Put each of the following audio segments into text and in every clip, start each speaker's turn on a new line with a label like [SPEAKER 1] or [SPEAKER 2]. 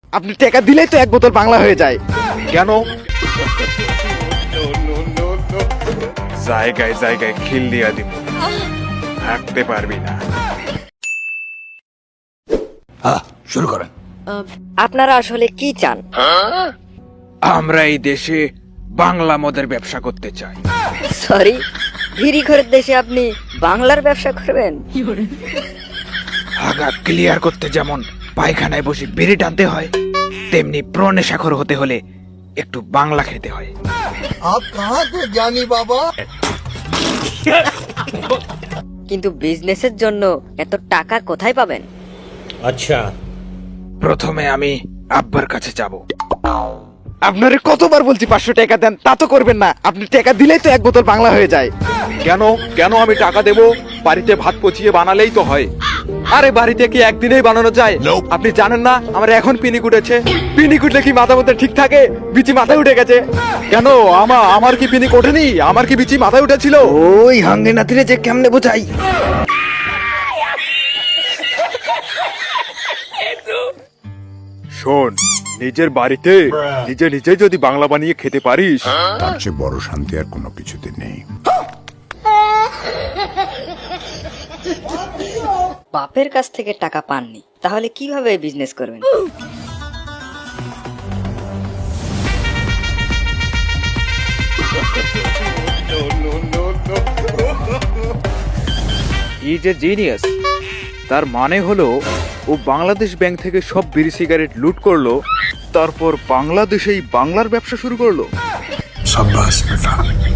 [SPEAKER 1] আপনি টাকা দিলেই তো এক বোতল বাংলা হয়ে যায়।
[SPEAKER 2] কেন? জায়গায় জায়গায় খিল দিয়া দিব, থাকতে পারবি না।
[SPEAKER 3] শুরু করেন।
[SPEAKER 4] আপনারা আসলে কি চান?
[SPEAKER 2] আমরা এই দেশে বাংলা মদের ব্যবসা করতে চাই।
[SPEAKER 4] সরি, ভিড়ি ঘরের দেশে আপনি বাংলার ব্যবসা করবেন?
[SPEAKER 2] আগা ক্লিয়ার করতে যেমন পায়খানায় বসে বিড়ি টানতে হয়, তেমনি প্রনেশাখর হতে হলে একটু বাংলা খেতে হয়।
[SPEAKER 3] আপ কাহা কে জ্ঞানী বাবা?
[SPEAKER 4] কিন্তু বিজনেসের জন্য এত টাকা কোথায় পাবেন?
[SPEAKER 5] अच्छा
[SPEAKER 2] প্রথমে আমি আব্বার কাছে যাব।
[SPEAKER 1] আপনারে কতবার বলছি 500 টাকা দেন, তা তো করবেন না। আপনি টাকা দিলেই তো এক বোতল বাংলা হয়ে যায়।
[SPEAKER 2] কেন কেন আমি টাকা দেব? বাড়িতে ভাত পচিয়ে বানালেই তো হয়।
[SPEAKER 1] আরে বাড়িতে কি একদিনেই বানানো যায়? আপনি জানেন না আমার এখন পিনিক উঠেছে? পিনিক উঠলে কি মাথা মধ্যে ঠিক থাকে? বিচি মাথায় উঠে গেছে।
[SPEAKER 2] কেন আমার কি পিনিক ওঠেনি? আমার কি বিচি মাথায় উঠেছিল?
[SPEAKER 1] ওই হাঙ্গে নাতিরে যে কেমনে বোঝাই।
[SPEAKER 2] শোন, নিজের বাড়িতে নিজে নিজে যদি বাংলা বানিয়ে খেতে পারিস,
[SPEAKER 6] তার চেয়ে বড় শান্তি আর কোনো কিছুতে নেই।
[SPEAKER 4] বাপের কাছ থেকে টাকা পাননি, তাহলে কিভাবে বিজনেস করবেন?
[SPEAKER 2] Is a genius. তার মানে হলো ও বাংলাদেশ ব্যাংক থেকে সব বিড়ি সিগারেট লুট করলো, তারপর বাংলাদেশেই বাংলার ব্যবসা শুরু করলো।
[SPEAKER 6] সাব্বাস বেটা।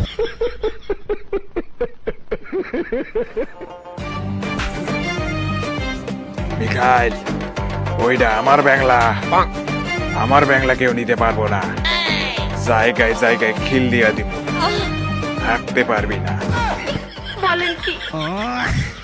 [SPEAKER 2] মিখাইল, ওইটা আমার বাংলা। আমার বাংলা কেউ নিতে পারবো না। জায়গায় জায়গায় খিল দিয়া দিব, থাকতে পারবি না।
[SPEAKER 7] বলেন কি?